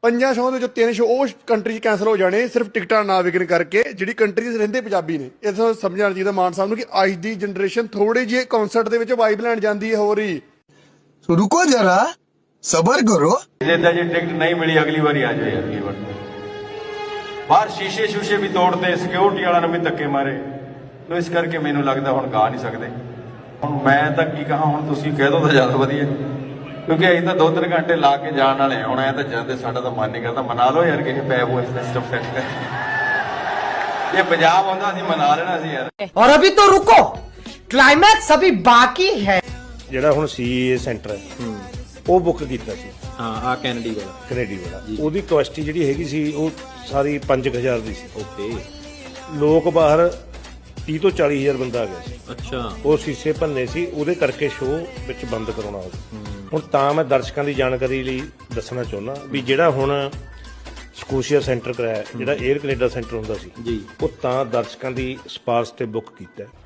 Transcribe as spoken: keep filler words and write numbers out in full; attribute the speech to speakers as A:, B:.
A: ਪੰਜਾਂ ਸ਼ੋਅ ਦੇ ਵਿੱਚੋਂ ਤਿੰਨ ਸ਼ੋਅ ਉਹ ਕੰਟਰੀ 'ਚ ਕੈਂਸਲ ਹੋ ਜਾਣੇ ਸਿਰਫ ਟਿਕਟਾਂ ਨਾ ਵਿਕਣ ਕਰਕੇ, ਜਿਹੜੀ ਕੰਟਰੀ 'ਚ ਰਹਿੰਦੇ ਪੰਜਾਬੀ ਨੇ। ਇਸ ਤੋਂ ਸਮਝਣਾ ਚਾਹੀਦਾ ਮਾਨ ਸਾਹਿਬ ਨੂੰ ਕਿ ਅੱਜ ਦੀ ਜਨਰੇਸ਼ਨ ਥੋੜੀ ਜਿਹੀ ਕਨਸਰਟ ਦੇ ਵਿੱਚ ਵਾਈਬ ਲੈਣ ਜਾਂਦੀ ਹੈ। ਹੋਰ ਹੀ
B: रुको जरा सबर करो।
C: ਜਿੱਦਾਂ ਜੇ ਟਿਕਟ ਨਹੀਂ ਮਿਲੀ ਅਗਲੀ ਵਾਰੀ ਆ ਜਾਓ ਯਾਰ। ਕੀ ਵਾਰ ਬਾਹਰ ਸ਼ੀਸ਼ੇ ਸ਼ੂਸ਼ੇ ਵੀ ਤੋੜਦੇ, ਸਿਕਿਉਰਿਟੀ ਵਾਲਿਆਂ ਨੂੰ ਵੀ ਧੱਕੇ ਮਾਰੇ। ਤੋ ਇਸ ਕਰਕੇ ਮੈਨੂੰ ਲੱਗਦਾ ਹੁਣ ਗਾ ਨਹੀਂ ਸਕਦੇ। ਹੁਣ ਮੈਂ ਤਾਂ ਕੀ ਕਹਾਂ, ਹੁਣ ਤੁਸੀਂ ਕਹਿ ਦੋ ਤਾਂ ਜ਼ਿਆਦਾ ਵਧੀਆ, ਕਿਉਂਕਿ ਅਸੀਂ ਤਾਂ ਦੋ ਤਿੰਨ ਘੰਟੇ ਲਾ ਕੇ ਜਾਣ ਵਾਲੇ ਹੁਣ। ਐ ਤਾਂ ਜਾਂਦੇ ਸਾਡਾ ਤਾਂ ਮਨ ਨਹੀਂ ਕਰਦਾ। ਮਨਾ ਲਓ ਯਾਰ ਕਿਸੇ ਪੈਪ ਹੋਏ ਸਿਸਟਮ ਸੈੱਟ ਕਰ। ਇਹ ਪੰਜਾਬ ਹੁੰਦਾ ਅਸੀਂ ਮਨਾ ਲੈਣਾ ਸੀ ਯਾਰ।
D: और अभी तो रुको, क्लाइमैक्स अभी बाकी है।
E: ਜਿਹੜਾ ਹੁਣ ਸੀਏ ਸੈਂਟਰ ਹੈ ਉਹ ਬੁੱਕ ਕੀਤਾ ਸੀ।
F: ਹਾਂ ਆ ਕੈਨੇਡੀ ਵਾਲਾ
E: ਕੈਨੇਡੀ ਵਾਲਾ ਉਹਦੀ ਕਪੈਸਿਟੀ ਜਿਹੜੀ ਹੈਗੀ ਸੀ ਉਹ ਸਾਰੀ ਪੰਜ ਹਜ਼ਾਰ ਦੀ ਸੀ।
F: ਓਕੇ।
E: ਲੋਕ ਬਾਹਰ ਤੀਹ ਤੋਂ ਚਾਲੀ ਹਜ਼ਾਰ ਬੰਦਾ ਆ ਗਿਆ ਸੀ।
F: ਅੱਛਾ।
E: ਉਹ ਸ਼ੀਸ਼ੇ ਭੰਨੇ ਸੀ, ਉਹਦੇ ਕਰਕੇ ਸ਼ੋਅ ਵਿੱਚ ਬੰਦ ਕਰਾਉਣਾ ਹੋ ਹੁਣ। ਤਾਂ ਮੈਂ ਦਰਸ਼ਕਾਂ ਦੀ ਜਾਣਕਾਰੀ ਲਈ ਦੱਸਣਾ ਚਾਹੁੰਦਾ ਵੀ ਜਿਹੜਾ ਹੁਣ ਸਕੋਸ਼ੀਆ ਸੈਂਟਰ ਕਰਾਇਆ, ਜਿਹੜਾ 에ਅਰ ਕੈਨੇਡਾ ਸੈਂਟਰ ਹੁੰਦਾ ਸੀ
F: ਜੀ,
E: ਉਹ ਤਾਂ ਦਰਸ਼ਕਾਂ ਦੀ ਸਿਫਾਰਿਸ਼ ਤੇ ਬੁੱਕ ਕੀਤਾ।